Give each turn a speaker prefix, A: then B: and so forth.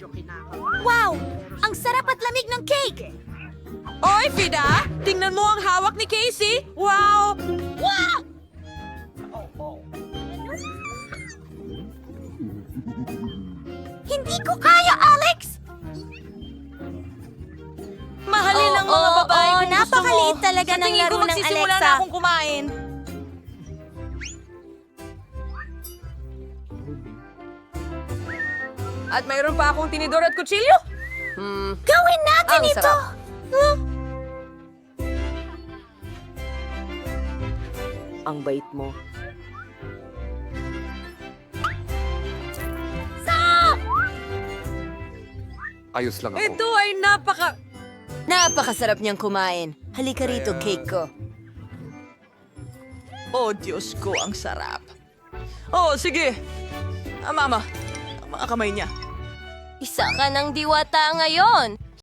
A: Wow! Ang sarap at lamig ng cake!
B: Oy, Fida! Tingnan mo ang hawak ni Casey! Wow!
A: Wow! Hindi ko kaya, Alex!
B: Mahalin ang mga babae kung gusto mo.
A: napakaliit talaga
B: Sa
A: ng
B: tingin ko
A: laro ng
B: magsisimula
A: Alexa.
B: na akong kumain. At mayroon pa akong tinidor at kutsilyo.
A: Gawin natin
B: Ang
A: ito!
B: sarap. Ang bait mo.
C: Ayos lang ako.
B: Ito ay
A: Napakasarap niyang kumain. Halika rito, cake ko.
B: Oh, Diyos ko, ang sarap. Oh, sige. Mama, ang mga kamay niya.
A: Isa ka ng diwata ngayon.